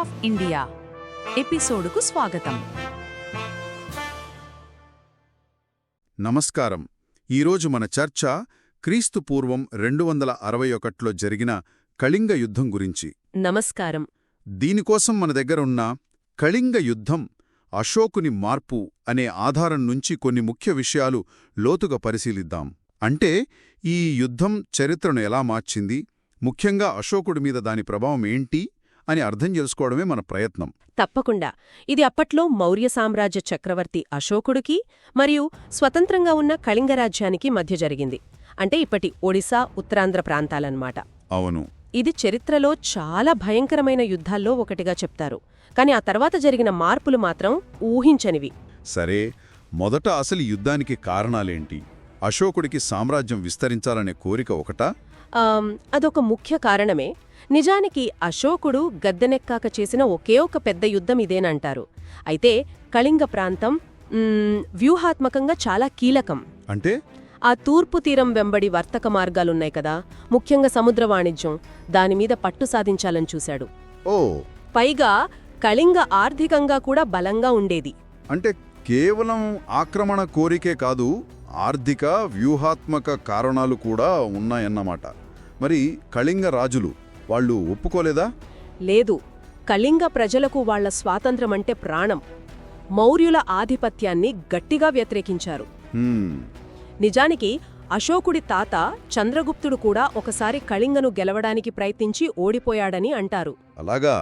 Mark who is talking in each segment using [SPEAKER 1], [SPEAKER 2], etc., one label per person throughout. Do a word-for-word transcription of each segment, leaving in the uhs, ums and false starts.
[SPEAKER 1] Of India ఎపిసోడుకు స్వాగతం.
[SPEAKER 2] నమస్కారం. ఈరోజు మన చర్చ క్రీస్తు పూర్వం రెండు వందల అరవై ఒకటిలో జరిగిన కళింగ యుద్ధం గురించి.
[SPEAKER 3] నమస్కారం.
[SPEAKER 2] దీనికోసం మన దగ్గర ఉన్న కళింగ యుద్ధం, అశోకుని మార్పు అనే ఆధారం నుంచి కొన్ని ముఖ్య విషయాలు లోతుగా పరిశీలిద్దాం. అంటే ఈ యుద్ధం చరిత్రను ఎలా మార్చింది, ముఖ్యంగా అశోకుడి మీద దాని ప్రభావం ఏంటి అని అర్థం చేసుకోవడమే మన ప్రయత్నం.
[SPEAKER 3] తప్పకుండా. ఇది అప్పట్లో మౌర్య సామ్రాజ్య చక్రవర్తి అశోకుడికి మరియు స్వతంత్రంగా ఉన్న కళింగ రాజ్యానికి మధ్య జరిగింది. అంటే ఇప్పటి ఒడిశా, ఉత్తరాంధ్ర ప్రాంతాలన్నమాట.
[SPEAKER 2] అవును.
[SPEAKER 3] ఇది చరిత్రలో చాలా భయంకరమైన యుద్ధాల్లో ఒకటిగా చెప్తారు. కాని ఆ తర్వాత జరిగిన మార్పులు మాత్రం ఊహించనివి.
[SPEAKER 2] సరే, మొదట అసలు యుద్ధానికి కారణాలేంటి? అశోకుడికి సామ్రాజ్యం విస్తరించాలనే కోరిక ఒకటా?
[SPEAKER 3] ఆమ్, అదొక ముఖ్య కారణమే. నిజానికి అశోకుడు గద్దెనెక్కాక చేసిన ఒకే ఒక పెద్ద యుద్ధం ఇదేనంటారు. అయితే కళింగ ప్రాంతం మ్, వ్యూహాత్మకంగా చాలా కీలకం.
[SPEAKER 2] అంటే
[SPEAKER 3] ఆ తూర్పు తీరం వెంబడి వర్తక మార్గాలున్నాయి కదా, ముఖ్యంగా సముద్ర వాణిజ్యం, దానిమీద పట్టు సాధించాలని చూశాడు.
[SPEAKER 2] ఓ
[SPEAKER 3] పైగా కళింగ ఆర్థికంగా కూడా బలంగా ఉండేది.
[SPEAKER 2] అంటే కేవలం ఆక్రమణ కోరికే కాదు, ఆర్థిక వ్యూహాత్మక కారణాలు కూడా ఉన్నాయన్నమాట. మరి కళింగ రాజులు వాళ్ళు ఒప్పుకోలేదా?
[SPEAKER 3] లేదు. కళింగ ప్రజలకు వాళ్ల స్వాతంత్రమంటే ప్రాణం. మౌర్యుల ఆధిపత్యాన్ని గట్టిగా వ్యతిరేకించారు.
[SPEAKER 2] హ్మ్,
[SPEAKER 3] నిజానికి అశోకుడి తాత చంద్రగుప్తుడు కూడా ఒకసారి కళింగను గెలవడానికి ప్రయత్నించి ఓడిపోయాడని అంటారు.
[SPEAKER 2] అలాగా?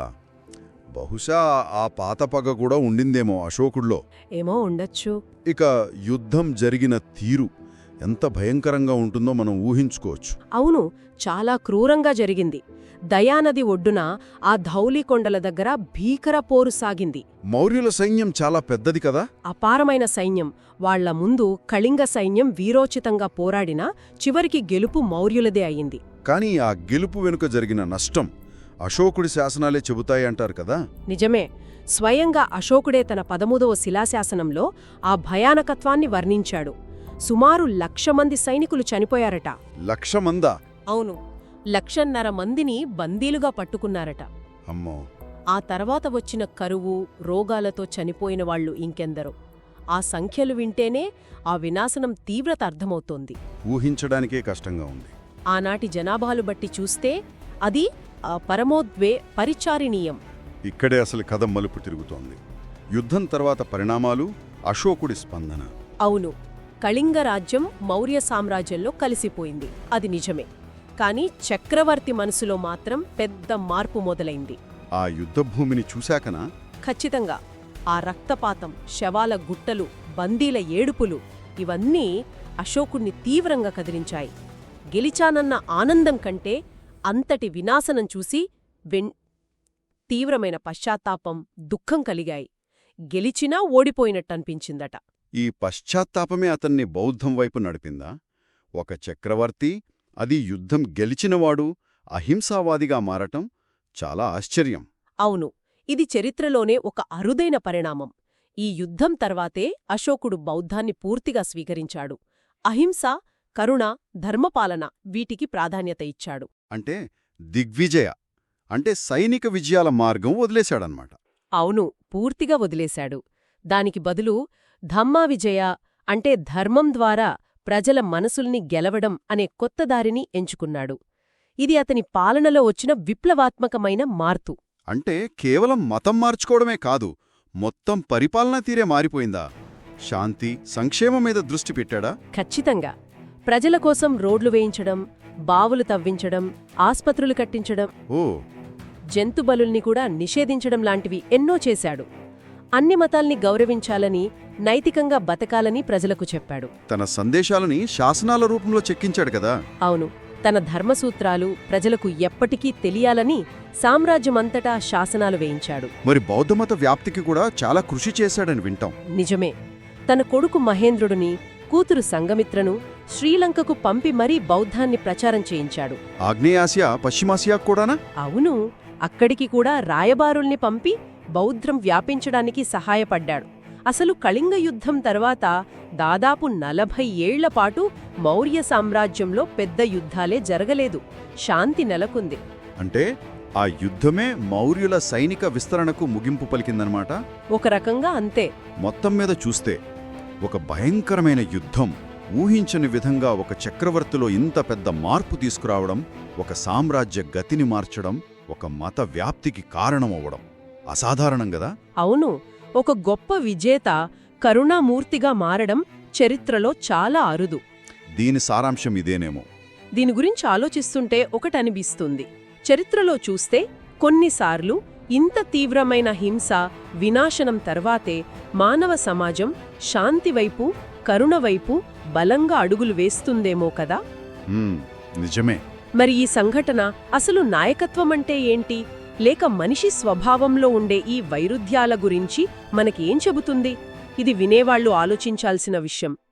[SPEAKER 2] బహుశా ఆ పాత పగ కూడా ఉండిందేమో అశోకుడిలో.
[SPEAKER 3] ఏమో ఉండొచ్చు.
[SPEAKER 2] ఇక యుద్ధం జరిగిన తీరు ఎంత భయంకరంగా ఉంటుందో మనం ఊహించుకోవచ్చు.
[SPEAKER 3] అవును, చాలా క్రూరంగా జరిగింది. దయానది ఒడ్డున ఆ ధౌలికొండల దగ్గర భీకర పోరు సాగింది.
[SPEAKER 2] మౌర్యుల సైన్యం చాలా పెద్దది కదా.
[SPEAKER 3] అపారమైన సైన్యం. వాళ్ల ముందు కళింగ సైన్యం వీరోచితంగా పోరాడినా చివరికి గెలుపు మౌర్యులదే అయింది.
[SPEAKER 2] కానీ ఆ గెలుపు వెనుక జరిగిన నష్టం అశోకుడి శాసనాలే చెబుతాయి అంటారు కదా.
[SPEAKER 3] నిజమే. స్వయంగా అశోకుడే తన పదమూదవ శిలాశాసనంలో ఆ భయానకత్వాన్ని వర్ణించాడు. సుమారు లక్ష మంది సైనికులు చనిపోయారట.
[SPEAKER 2] లక్ష మందా?
[SPEAKER 3] అవును, లక్షన్నర మందిని బందీలుగా పట్టుకున్నారట.
[SPEAKER 2] అమ్మో.
[SPEAKER 3] ఆ తర్వాత వచ్చిన కరువు, రోగాలతో చనిపోయిన వాళ్లు ఇంకెందరో. ఆ సంఖ్యలు వింటేనే ఆ వినాశనం తీవ్రత అర్థమవుతోంది.
[SPEAKER 2] ఊహించడానికే కష్టంగా ఉంది.
[SPEAKER 3] ఆనాటి జనాభాలు బట్టి చూస్తే అది ఆ పరమోద్వే పరిచారిణీయం.
[SPEAKER 2] ఇక్కడే అసలు కథ మలుపు తిరుగుతోంది. యుద్ధం తర్వాత పరిణామాలు, అశోకుడి స్పందన.
[SPEAKER 3] అవును, కళింగ రాజ్యం మౌర్య సామ్రాజ్యంలో కలిసిపోయింది, అది నిజమే. కాని చక్రవర్తి మనసులో మాత్రం పెద్ద మార్పు మొదలైంది.
[SPEAKER 2] ఆ యుద్ధభూమిని చూశాకనా?
[SPEAKER 3] ఖచ్చితంగా. ఆ రక్తపాతం, శవాల గుట్టలు, బందీల ఏడుపులు ఇవన్నీ అశోకుణ్ణి తీవ్రంగా కదిలించాయి. గెలిచానన్న ఆనందం కంటే అంతటి వినాశనం చూసి వెన్ తీవ్రమైన పశ్చాత్తాపం, దుఃఖం కలిగాయి. గెలిచినా ఓడిపోయినట్టనిపించిందట.
[SPEAKER 2] ఈ పశ్చాత్తాపమే అతన్ని బౌద్ధం వైపు నడిపిందా? ఒక చక్రవర్తి, అది యుద్ధం గెలిచినవాడు, అహింసావాదిగా మారటం చాలా ఆశ్చర్యం.
[SPEAKER 3] అవును, ఇది చరిత్రలోనే ఒక అరుదైన పరిణామం. ఈ యుద్ధం తర్వాతే అశోకుడు బౌద్ధాన్ని పూర్తిగా స్వీకరించాడు. అహింస, కరుణ, ధర్మపాలన వీటికి ప్రాధాన్యత ఇచ్చాడు.
[SPEAKER 2] అంటే దిగ్విజయ అంటే సైనిక విజయాల మార్గం వదిలేశాడన్నమాట.
[SPEAKER 3] అవును, పూర్తిగా వదిలేశాడు. దానికి బదులు ధమ్మా విజయ అంటే ధర్మం ద్వారా ప్రజల మనసుల్ని గెలవడం అనే కొత్త దారిని ఎంచుకున్నాడు. ఇది అతని పాలనలో వచ్చిన విప్లవాత్మకమైన మార్పు.
[SPEAKER 2] అంటే కేవలం మతం మార్చుకోవడమే కాదు, మొత్తం పరిపాలనా తీరే మారిపోయిందా? శాంతి, సంక్షేమం మీద దృష్టి పెట్టాడా?
[SPEAKER 3] ఖచ్చితంగా. ప్రజల కోసం రోడ్లు వేయించడం, బావులు తవ్వించడం, ఆస్పత్రులు కట్టించడం,
[SPEAKER 2] ఓ
[SPEAKER 3] జంతుబలుల్ని కూడా నిషేధించడం లాంటివి ఎన్నో చేశాడు. అన్ని మతాల్ని గౌరవించాలని, నైతికంగా బతకాలని ప్రజలకు చెప్పాడు.
[SPEAKER 2] తన సందేశాలని శాసనాల రూపంలో చెక్కించాడు కదా.
[SPEAKER 3] అవును, తన ధర్మసూత్రాలు ప్రజలకు ఎప్పటికీ తెలియాలని సామ్రాజ్యమంతటా శాసనాలు వేయించాడు.
[SPEAKER 2] మరి బౌద్ధమత వ్యాప్తికి కూడా చాలా కృషి చేశాడని వింటాం.
[SPEAKER 3] నిజమే. తన కొడుకు మహేంద్రుడిని, కూతురు సంగమిత్రను శ్రీలంకకు పంపి మరీ బౌద్ధాన్ని ప్రచారం చేయించాడు.
[SPEAKER 2] ఆగ్నేయాసియా, పశ్చిమాసియా కూడానా?
[SPEAKER 3] అవును, అక్కడికి కూడా రాయబారుల్ని పంపి బౌద్ధం వ్యాపించడానికి సహాయపడ్డాడు. అసలు కళింగ యుద్ధం తర్వాత దాదాపు నలభై ఏళ్లపాటు మౌర్య సామ్రాజ్యంలో పెద్ద యుద్ధాలే జరగలేదు. శాంతి నెలకొంది.
[SPEAKER 2] అంటే ఆ యుద్ధమే మౌర్యుల సైనిక విస్తరణకు ముగింపు పలికిందనమాట.
[SPEAKER 3] ఒక రకంగా అంతే.
[SPEAKER 2] మొత్తం మీద చూస్తే ఒక భయంకరమైన యుద్ధం ఊహించని విధంగా ఒక చక్రవర్తిలో ఇంత పెద్ద మార్పు తీసుకురావడం, ఒక సామ్రాజ్య గతిని మార్చడం, ఒక మత వ్యాప్తికి కారణమవ్వడం అసాధారణం గదా.
[SPEAKER 3] అవును, ఒక గొప్ప విజేత కరుణామూర్తిగా మారడం చరిత్రలో చాలా అరుదు.
[SPEAKER 2] దీని సారాంశం ఇదేనేమో.
[SPEAKER 3] దీని గురించి ఆలోచిస్తుంటే ఒకటనిపిస్తుంది. చరిత్రలో చూస్తే కొన్నిసార్లు ఇంత తీవ్రమైన హింస, వినాశనం తర్వాతే మానవ సమాజం శాంతివైపు, కరుణవైపు బలంగా అడుగులు వేస్తుందేమో కదా.
[SPEAKER 2] హ్మ్, నిజమే.
[SPEAKER 3] మరి ఈ సంఘటన అసలు నాయకత్వమంటే ఏంటి, లేక మనిషి స్వభావంలో ఉండే ఈ వైరుధ్యాల గురించి మనకేం చెబుతుంది? ఇది వినేవాళ్లు ఆలోచించాల్సిన విషయం.